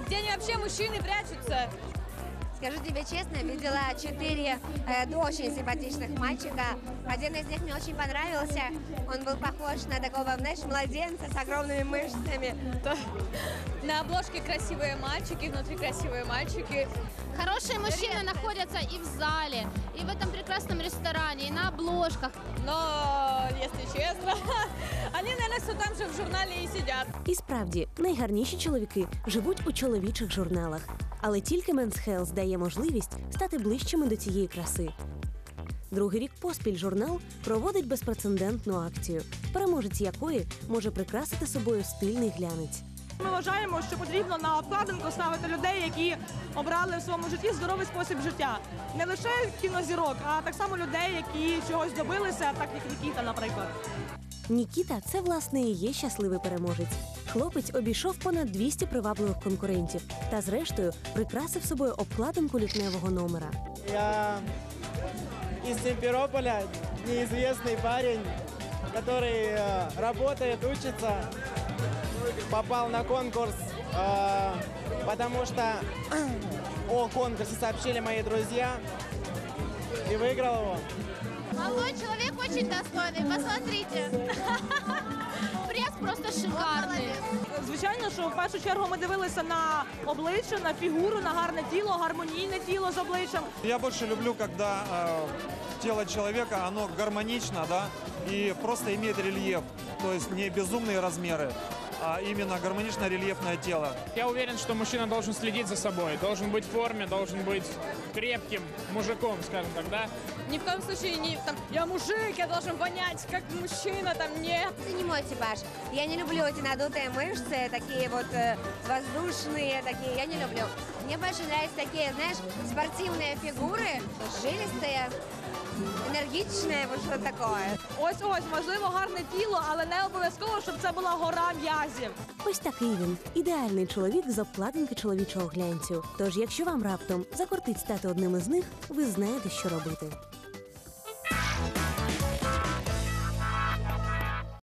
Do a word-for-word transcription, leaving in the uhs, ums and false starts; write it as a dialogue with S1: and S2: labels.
S1: где они вообще мужчины прячутся.
S2: Скажу тебе честно, видела четыре э, очень симпатичных мальчика. Один из них мне очень понравился. Он был похож на такого, знаешь, младенца с огромными мышцами.
S1: На обложке красивые мальчики, внутри красивые мальчики.
S3: Хорошие мужчины находятся и в зале, и в этом прекрасном ресторане, и на обложках.
S1: Но, если честно, они, наверное, все там же в журнале и сидят.
S4: І справді, найгарніші чоловіки живуть у чоловічих журналах. Але тільки Men's Health дає можливість стати ближчими до цієї краси. Другий рік поспіль журнал проводить безпрецедентну акцію, переможець якої може прикрасити собою стильний глянець.
S5: Ми вважаємо, що потрібно на обкладинку ставити людей, які обрали в своєму житті здоровий спосіб життя. Не лише кінозірок, а так само людей, які чогось добилися, так як Нікіта, наприклад.
S4: Нікіта – це, власне, і є щасливий переможець. Хлопець обійшов понад двісті привабливих конкурентів та, зрештою, прикрасив собою обкладинку лютневого номера.
S6: Я из Симферополя, неизвестный парень, который э, работает, учится, попал на конкурс, э, потому что о конкурсе сообщили мои друзья и выиграл его.
S3: Молодой человек очень достойный, посмотрите. Пресс просто шикарний.
S5: Звичайно, що в першу чергу ми дивилися на обличчя, на фігуру, на гарне тіло, гармонійне тіло з обличчям.
S7: Я больше люблю, когда э, тело человека, оно гармонично, да, и просто имеет рельеф, то есть не безумные размеры, а именно гармонично-рельефное тело.
S8: Я уверен, что мужчина должен следить за собой, должен быть в форме, должен быть крепким мужиком, скажем так, да?
S1: Ни в коем случае не там, я мужик, я должен вонять, как мужчина, там, нет.
S2: Это не мой типаж. Я не люблю эти надутые мышцы, такие вот э, воздушные, такие, я не люблю. Мне больше нравятся такие, знаешь, спортивные фигуры, жилистые, енергічне, ось що таке.
S5: Ось-ось, можливо, гарне тіло, але не обов'язково, щоб це була гора м'язів.
S4: Ось такий він – ідеальний чоловік з обкладинки чоловічого глянцю. Тож, якщо вам раптом закортить стати одним із них, ви знаєте, що робити.